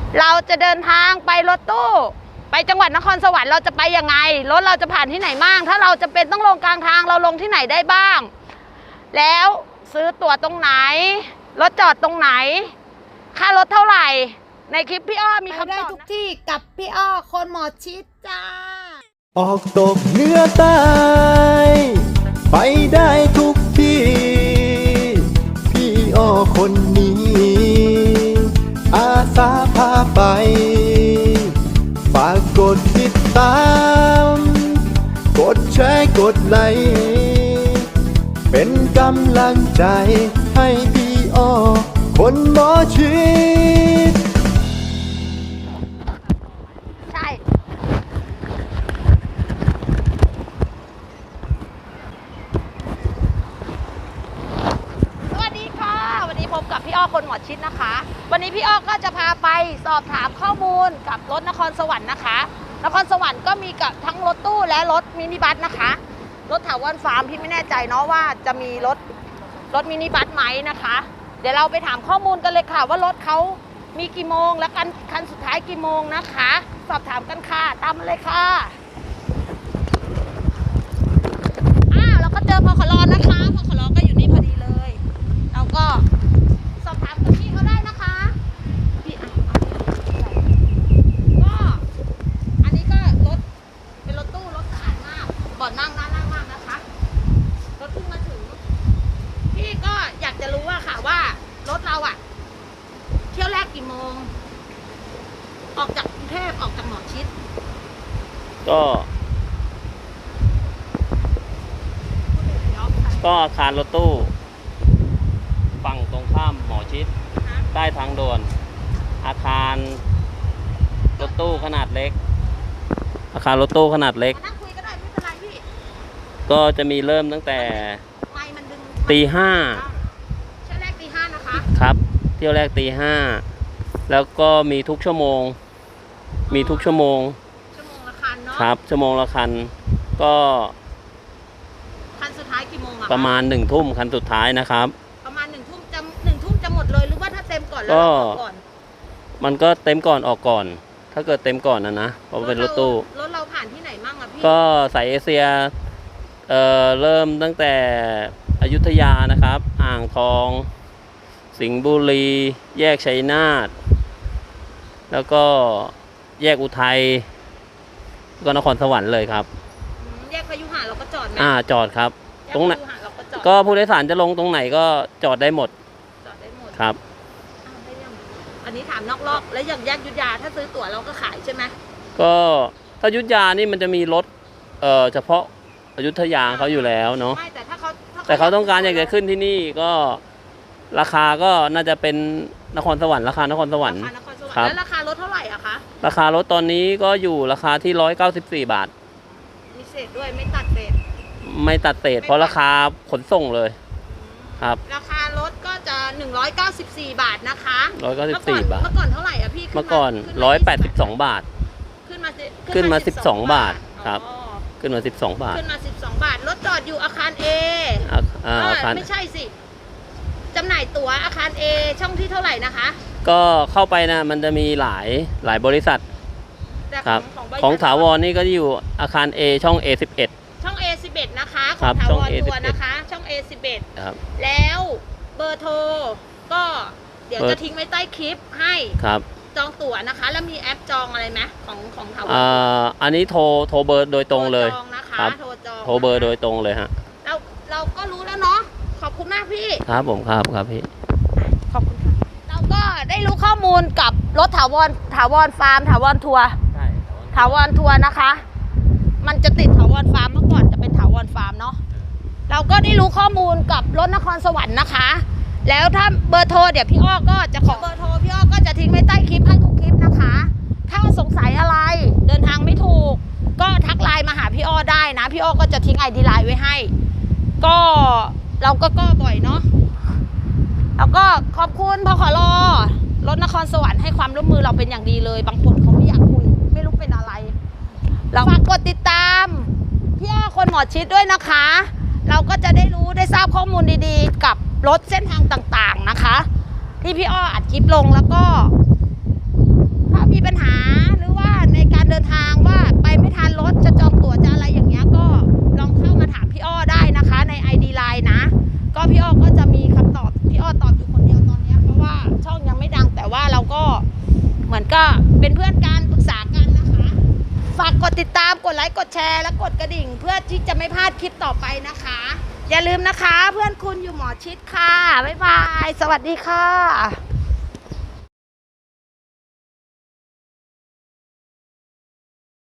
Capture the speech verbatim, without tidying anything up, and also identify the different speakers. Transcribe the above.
Speaker 1: เราจะเดินทางไปรถตู้ไปจังหวัดนครสวรรค์เราจะไปยังไงรถเราจะผ่านที่ไหนบ้างถ้าเราจะเป็นต้องลงกลางทางเราลงที่ไหนได้บ้างแล้วซื้อตั๋วตรงไหนรถจอดตรงไหนค่ารถเท่าไหร่ในคลิปพี่อ้อมีคำตอบได้ทุกที่กับพี่อ้อคนหมอชิดจ้า
Speaker 2: ออกตกเหนือใต้ไปได้ทุกที่พี่อ้อคนนี้อาสาพาไปฝากกดติดตามกดแชร์กดไลค์เป็นกำลังใจให้พี่อ้อคนหมอชิด
Speaker 1: ใช่สวัสดีค่ะวันนี้พบกับพี่อ้อคนหมอชิดนะคะวันนี้พี่อ้อก็จะพาไปสอบถามข้อมูลกับรถนครสวรรค์นะคะนครสวรรค์ก็มีกับทั้งรถตู้และรถมินิบัสนะคะรถถาวรฟาร์มพี่ไม่แน่ใจเนาะว่าจะมีรถรถมินิบัสไหมนะคะเดี๋ยวเราไปถามข้อมูลกันเลยค่ะว่ารถเขามีกี่โมงและคันคันสุดท้ายกี่โมงนะคะสอบถามกันค่ะตามมาเลยค่ะอ้าวเราก็เจอพขลนะคะพขลก็อยู่นี่พอดีเลยเราก็สอบถามกับพี่เขาได้นะคะพี่อ่ะก็อันนี้ก็รถเป็นรถตู้รถสะอาดมากเบาะนั่งน่านั่งมากนะคะรถเพิ่งมาถึงพี่ก็อยากจะรู้ว่าค่ะว่ารถเราอะเที่ยวแรกกี่โมงออกจากกรุงเทพออกจากหมอชิด
Speaker 3: ก็ก็อาคารรถตู้ฝั่งตรงข้ามหมอชิดใต้ทางด่วนอาคารรถตู้ขนาดเล็กอาคารรถตู้ขนาดเล็ก
Speaker 1: นั่งคุยก็ได้ไม่เป็นไรพี่
Speaker 3: ก็จะมีเริ่มตั้งแต่ตีห้า
Speaker 1: เที่ยวแรกตีห้านะคะ
Speaker 3: ครับเที่ยวแรกตีห้าแล้วก็มีทุกชั่วโมงมีทุกชั่วโมง
Speaker 1: ชั่วโมงละคันเนาะ
Speaker 3: ครับชั่วโมงละคันก็
Speaker 1: คันสุดท้ายกี่โมงอะ
Speaker 3: ประมาณหนึ่งทุ่มคันสุดท้ายนะครับ
Speaker 1: ประมาณหนึ่งทุ่มจะหนึ่งทุ่มจะหมดเลยหรือว่าถ้าเต็มก่อนแล้วเราออกก่อน
Speaker 3: มันก็เต็มก่อนออกก่อนถ้าเกิดเต็มก่อนนะนะเพราะเป็นรถตู้
Speaker 1: รถเราผ่านที่ไหนมั่งอะพี่
Speaker 3: ก็สายเอเชียเอ่อเริ่มตั้งแต่อยุธยานะครับอ่างทองสิงห์บุรีแยกชัยนาทแล้วก็แยกอุทัยก็นครสวรรค์เลยครับ
Speaker 1: แยกพยุหะเราก็จอดไหม
Speaker 3: อ่าจอดครับตรงไหนก็ผู้โดยสารจะลงตรงไหนก็จอดได้หมด
Speaker 1: จอดได้หมด
Speaker 3: ครับ
Speaker 1: อันนี้ถามนอกรอบแล้วอย่างแยกยุทธยาถ้าซื้อตั๋วเราก็ขายใช่ไหม
Speaker 3: ก็ถ้ายุทธยานี่มันจะมีรถเอ่อเฉพาะอยุธยาเขาอยู่แล้วเนาะ
Speaker 1: ไม่แต่ถ้าเขา
Speaker 3: แต่เขาต้องการอยากจะขึ้นที่นี่ก็ราคาก็น่าจะเป็นนครสวรรค์ราคานครสวรรค์
Speaker 1: ครับแล้วราคารถเท่าไหร่อะคะ
Speaker 3: ราคารถตอนนี้ก็อยู่ราคาที่ร้อยเก้าสิบสี่บาท
Speaker 1: มีเศษด้วยไม่ตัดเศษ
Speaker 3: ไม่ตัดเศษเพราะราคาขนส่งเลยครับ
Speaker 1: ราคารถก็จะหนึ่งร้อยเก้าสิบสี่บาทนะคะ
Speaker 3: ร้อยเก้าสิบสี่บาท
Speaker 1: เมื่อก่อนเท่าไหร่อะพี่
Speaker 3: เมื่อก่อนร้อยแปดสิบสองบาท
Speaker 1: ขึ้นมา
Speaker 3: ขึ้นมาสิบสองบาทครับขึ้นมาสิบสองบาท
Speaker 1: ขึ้นมาสิบสองบาทรถจอดอยู่อาคาร A
Speaker 3: อาคาร
Speaker 1: ไม่ใช่สิจำหน่ายตั๋วอาคาร A ช่องที่เท่าไหร่นะคะ
Speaker 3: ก็เข้าไปนะมันจะมีหลายหลายบริษัทครับของถาวรนี่ก็อยู่อาคาร A ช่อง เอ สิบเอ็ด
Speaker 1: ช่อง เอ สิบเอ็ด นะคะของถาวรทัวร์นะคะช่อง เอ สิบเอ็ด
Speaker 3: ครับ
Speaker 1: แล้วเบอร์โทรก็เดี๋ยวจะทิ้งไว้ใต้คลิปให้
Speaker 3: ครับ
Speaker 1: จองตั๋วนะคะแล้วมีแอปจองอะไรไหมของของถาวร
Speaker 3: อ่าอันนี้โทรโทรเบอร์โดยตรงเลย
Speaker 1: จองนะคะโทรจอง
Speaker 3: โทรเบอร์โดยตรงเลยฮะ
Speaker 1: เราเราก็รู้แล้วเนาะขอบคุณมากพี่
Speaker 3: ครับผมครับครับพี่
Speaker 1: ขอบคุณค่ะเราก็ได้รู้ข้อมูลกับรถถาวรถาวรฟาร์มถาวรทัวร์
Speaker 3: ใช่
Speaker 1: ถาวรทัวร์นะคะมันจะติดถาวรฟาร์มเมื่อก่อนจะเป็นถาวรฟาร์มเนาะเราก็ได้รู้ข้อมูลกับรถนครสวรรค์นะคะแล้วถ้าเบอร์โทรเดี๋ยวพี่อ้อก็จะขอเบอร์โทรพี่อ้อก็จะทิ้งไว้ใต้คลิปให้ทุกคลิปนะคะถ้าสงสัยอะไรเดินทางไม่ถูกก็ทักไลน์มาหาพี่อ้อได้นะพี่อ้อก็จะทิ้งไอดีไลน์ไว้ให้ก็เราก็ก็บ่อยเนาะแล้วก็ขอบคุณพขลรถนครสวรรค์ให้ความร่วมมือเราเป็นอย่างดีเลยบางคนเขาไม่อยากคุยไม่รู้เป็นอะไรเราฝากกดติดตามพี่อ้อคนหมอชิดด้วยนะคะเราก็จะได้รู้ได้ทราบข้อมูลดีๆกับรถเส้นทางต่างๆนะคะที่พี่อ้ออัดคลิปลงแล้วก็เป็นเพื่อนกันปรึกษากันนะคะฝากกดติดตามกดไลค์กดแชร์และกดกระดิ่ง เพื่อที่จะไม่พลาดคลิปต่อไปนะคะ อย่าลืมนะคะเพื่อนคุณอยู่หมอชิดค่ะบ๊ายบายสวัสดีค่ะ